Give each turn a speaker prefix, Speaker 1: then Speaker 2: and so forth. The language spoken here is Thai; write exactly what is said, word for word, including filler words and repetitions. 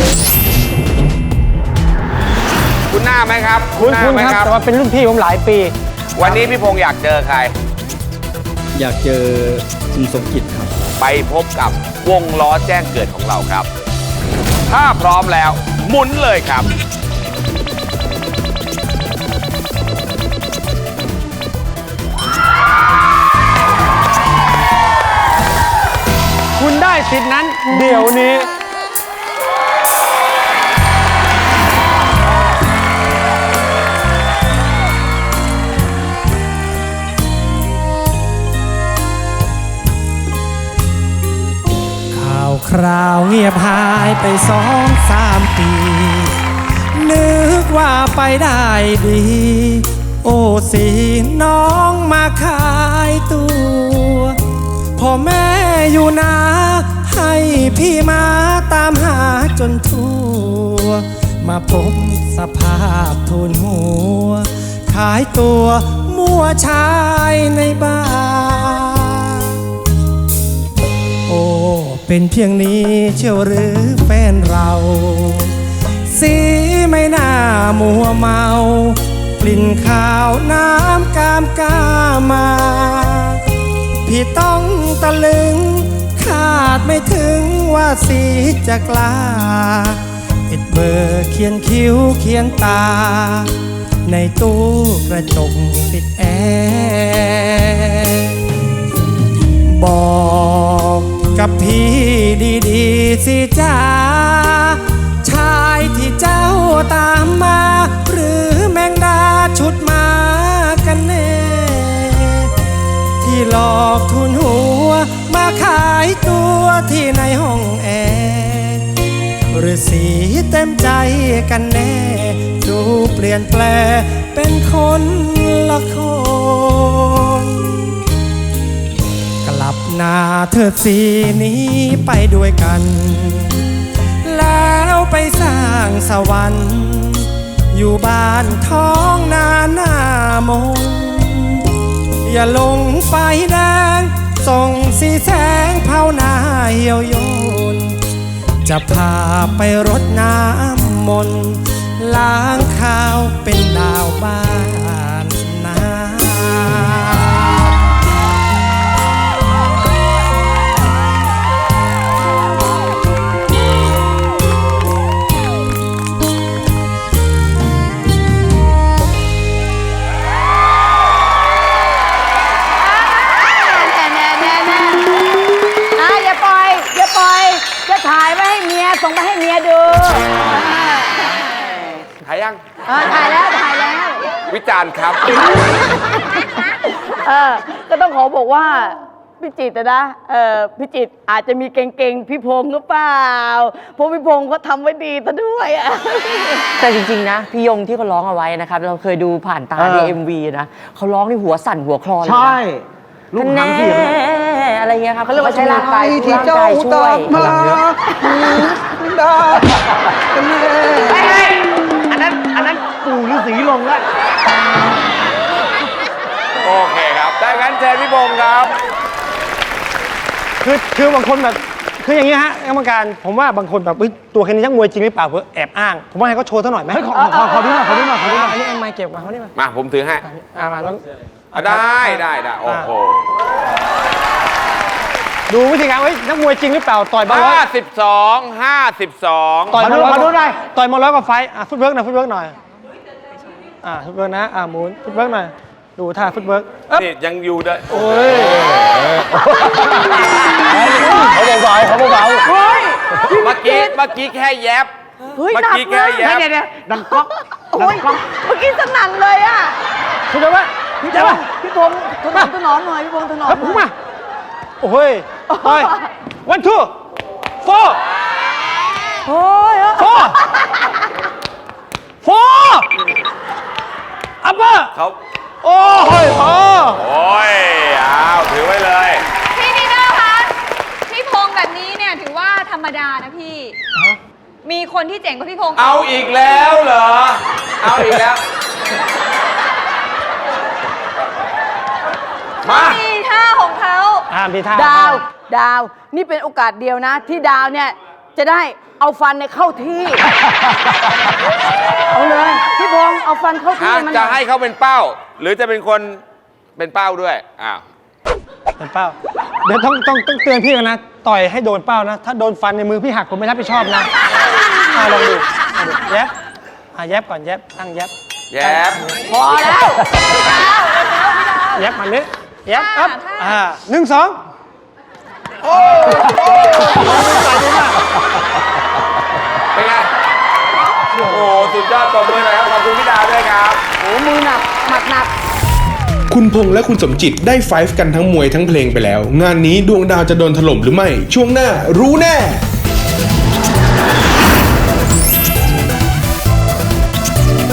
Speaker 1: คุณหน้าไหมครับ
Speaker 2: คุณ
Speaker 1: หน้า
Speaker 2: คุณ
Speaker 1: ไหม
Speaker 2: ครับแต่ว่าเป็นรุ่นพี่ผมหลายปี
Speaker 1: วันนี้พี่พงษ์อยากเจอใคร
Speaker 3: อยากเจอคุณสมจิตครับ
Speaker 1: ไปพบกับวงล้อแจ้งเกิดของเราครับ ถ้าพร้อมแล้วหมุนเลยครับ
Speaker 2: คุณได้สิทธินั้นเดี๋ยวนี้
Speaker 4: ข่าวคราวเงียบหายไปสองสามปี นึกว่าไปได้ดี โอ้สีน้องมาขายตัวพ่อแม่อยู่นาให้พี่มาตามหาจนทั่ว มาพบสภาพทุนหัว ขายตัวมั่วชายในบ้าน โอ้เป็นเพียงนี้เชียวหรือแฟนเรา สีไม่น่ามัวเมา กลิ่นข้าวน้ำกามกามา พี่ต้องตะลึงคาดไม่ถึงว่าสีจะกล้าติดเบอร์เขียนคิ้วเขียนตา ในตู้กระจกติดแอร์บอกกับพี่ดีๆสิจ้าชายที่เจ้าตามมาหรือแมงดาชุดมากันแน่ที่หลอกทุนหัวมาขายตัวที่ในห้องแอร์หรือสีเต็มใจกันแน่ดูเปลี่ยนแปลงเป็นคนละคนกลับหน้าเธอสีนี้ไปด้วยกันแล้วไปสร้างสวรรค์อยู่บ้านท้องนาหน้ามนอย่าลงไฟแดงส่งสีแสงเผาหน้าเหี่ยวโยนจะพาไปรดน้ำมนต์ล้างข้าวเป็นดาวบ้านนา
Speaker 5: อ่ะอย่าปล่อยอย่าปล่อยจะถ่ายไว้ให้เมียส่งไปให้เมียดู
Speaker 1: ถ่ายยัง
Speaker 5: เออถ่ายแล้วถ่ายแล้ว
Speaker 1: วิจารณ์ครับ
Speaker 5: เออก็ต้องขอบอกว่าพี่จิตรนะเออพี่จิตรอาจจะมีเก่งๆพี่พงษ์หรือเปล่าเพราะพี่พงษ์เขาทำไว้ดีซะด้วยอะ
Speaker 6: แต่จริงๆนะพี่ยงที่เขาร้องเอาไว้นะครับเราเคยดูผ่านตาใน เอ็ม วี นะเขาร้องในหัวสั่นหัวคลอนเลยนะ
Speaker 2: ใช่ลูกหางเสียง
Speaker 6: อะไรเงี้ยครับ
Speaker 5: เขาเรียกว่าใช้ร่างกาย
Speaker 6: ที่เจ้าช่วยพลังเยอะ
Speaker 2: อันนั้นอันนั้นปู่ฤาษีลงแล้ว
Speaker 1: โอเคครับได้งั้นเชิญพี่พงษ์ครับ
Speaker 2: คือคือบางคนแบบคืออย่างนี้ฮะกรรมการผมว่าบางคนแบบตัวแค่นี้ช่างมวยจริงหรือเปล่าเพื่อแอบอ้างผมว่าให้เขาโชว์ซะหน่อยไหมขอขอขอดูหน่อยขอดูหน่อยขอดูหน่อยอันนี้เอาไม้เก็บมาเขานี่มา
Speaker 1: มาผมถือให้
Speaker 2: อ่ามาแล้ว
Speaker 1: อ่ะได้ได้ได้โอ้โห
Speaker 2: ดูวิธีการเฮ้ยนักมวยจริงหรือเปล่าต่อยมาร้อ
Speaker 1: ห้าย สิบสองห้าสิบสอง
Speaker 2: ต่อยมาร้อยมาดูหน่อยต่อยมาร้อยกว่าไฟอ่ะฟุตเวิร์กหน่อยฟุตเวิร์กหน่อยอ่าฟุตเวิร์กนะอ่าหมุนฟุตเวิร์กหน่อยดูท่าฟุตเวิร์กเอ๊ะ
Speaker 1: นี่ยังอยู่เด้อ
Speaker 2: โอ้ย
Speaker 3: เขาเบาๆเขาเบา
Speaker 1: เมื่อกี้เมื่อกี้แค่แยบ
Speaker 5: เฮ้ย
Speaker 1: เมื่อ
Speaker 5: หนัก
Speaker 1: กี้
Speaker 5: มา
Speaker 1: แค่
Speaker 5: ก
Speaker 1: แยบ
Speaker 2: เดี๋ยวเดี๋ยวดังก๊อก
Speaker 5: โอ้ยเมื่อกี้สนั่นเลยอ่ะ
Speaker 2: คุณจะว่า
Speaker 5: พี่
Speaker 2: จะ
Speaker 5: พ
Speaker 2: ว่าง
Speaker 5: ษ์พี่พงษ์ถนอมถนอมหน่อยพี่พงษ์ถนอม
Speaker 2: ครับ
Speaker 5: ห
Speaker 2: ผม
Speaker 5: น่อย
Speaker 2: มาโอ้ยไป one two four
Speaker 5: โอ้ย
Speaker 2: four four upper
Speaker 1: เขา
Speaker 2: โอ้ยพอ
Speaker 1: โอ้ยอ้าวถือไว้เลย
Speaker 7: พี่นีโน่คะพี่พงษ์แบบนี้เนี่ยถือว่าธรรมดานะพี่ มีคนที่เจ๋งกว่าพี่พงษ์
Speaker 1: เอาอีกแล้วเหรอเอาอีกแล้ว มา
Speaker 7: มีท่าของเขา
Speaker 2: อ่ามีท่า
Speaker 5: ดาว ดาว นี่เป็นโอกาสเดียวนะ ที่ดาวเนี่ยจะได้เอาฟันเนี่ยเข้าที่ เอาเลยพี่พงษ์เอาฟันเข้าที่
Speaker 1: อ่ะ
Speaker 5: มัน
Speaker 1: จะให้เขาเป็นเป้า หรือจะเป็นคนเป็นเป้าด้วยอ้าว
Speaker 2: เป็นเป้า เดี๋ยวต้องต้องต้องเตือนพี่กันนะ ต่อยให้โดนเป้านะ ถ้าโดนฟันในมือพี่หักผมไม่รับผิดชอบนะอ่ะลองดูอ่ะดูแยบอ่ะแยบก่อนแยบตั้งแยบ
Speaker 1: แย้ม
Speaker 5: พอแล้ว
Speaker 2: แยบมาเนี้ยแยบอัพอ่าหนึ่งสองโอ้โหใส่ดีมาก
Speaker 1: เป็นไง โอ้โหสุดยอดตบมือหน่อยครับขอบคุณพี่ดาวด้วยครับ
Speaker 5: โอ้มือหนักหมัดหนัก
Speaker 8: คุณพงษ์และคุณสมจิตได้ไฟฟ์กันทั้งมวยทั้งเพลงไปแล้ว งานนี้ดวงดาวจะโดนถล่มหรือไม่ ช่วงหน้ารู้แน่